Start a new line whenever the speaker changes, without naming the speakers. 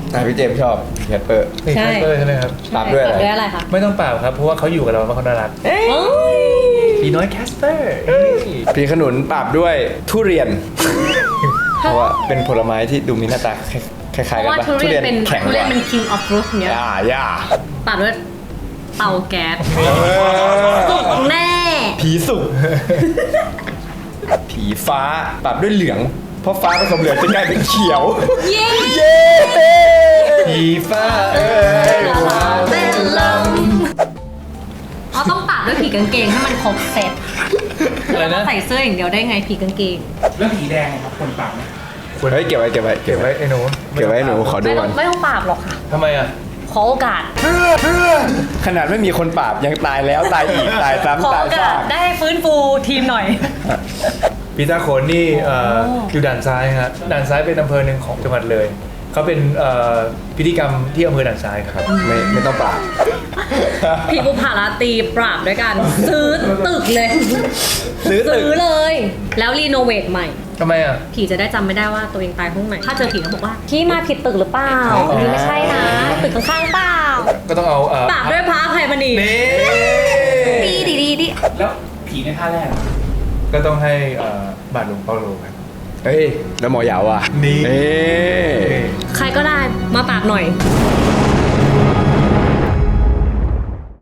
พี่เจมส์ชอบแคสเปอร์
ใช่
แคสเปอร์ใช่ไหมครับ
ปราบด้วยอะไร
ด้วยอะไรคะ
ไม่ต้องเปล่าครับเพราะว่าเขาอยู่กับเราเพราะเขาน่ารัก
เอ้ย
ผีน้อยแคสเปอร์
พี่ขนุนปราบด้วยทุเรียน เพราะว่าเป็นผลไม้ที่ดูมีหน้าตาคล้ายๆกัน
เพราะว่า
ปะ
ทุเรียนเป็น
แข็ง
ทุ
ก
เรียน
ว่า
เป็น king of fruit เนี้ย
ย่า
ตัดด้วยเตาแก๊ส
เออ
สุกแน่
ผีสุก ผีฟ้าปรับด้วยเหลือง เพราะฟ้าผสมเหลืองจะกลายเป็นเขียว
เย้
เย้ผีฟ้าเอ้ย
มาเป็นลมเราต้องตัดด้วยผีกางเกงให้มันครบเซ็ต
อะไร
แล้ว
นะ
ใส่เสื้ออย่างเดียวได้ไงผีกางเกง
แล้วผีแดงครับคนปากไหม
เฮ้ยเก็บไว้
เก็บไว้ไอ้หนู
เก็บไว้ให้หนูขอดู
ไม่ต้
ก่
อ
อง น
ไม่ต้องปราบหรอกค่ะ
ทำไมอ่ะ
ขอโอกาส
ขนาดไม่มีคนปราบยังตายแล้วตายอีกตาย
ขอ
ซ้ำตาย
โอกา
ซา
ส
ก
ได้ฟื้นฟูทีมหน่อย
ปีตาโขนนี่อยู่ด่านซ้ายฮะด่านซ้ายเป็นอำเภอหนึ่งของจังหวัดเลยเขาเป็นพิธีกรรมที่อำเภอด่านซ้ายครับ
ไม่ต้องปราบ
ผีบุพาราตรีปราบด้วยกัน ซื้อตึกเลย
ซื้อตึก
ซื้อเลย แล้วรีโนเวทใหม่
ทำไมอ่ะ
ผีจะได้จำไม่ได้ว่าตัวเองตายห้องไหน ถ้าเจอผีก็บอกว่าพี่มาผิดตึกหรือเปล่าอันนี้ไม่ใช่นะ ตึกข้างๆเปล่า
ก็ต้องเอา
ปราบด้วยพระอภัยมณี
นี่
ดี
แล้วผีในท่าแรกอะ
ก็ต้องให้บาทหลวงเปาโลครับ
เฮ้ยแล้วหมอยาวอ่ะ
นี่
เอ้ย
ใครก็ได้มาปราบหน่อย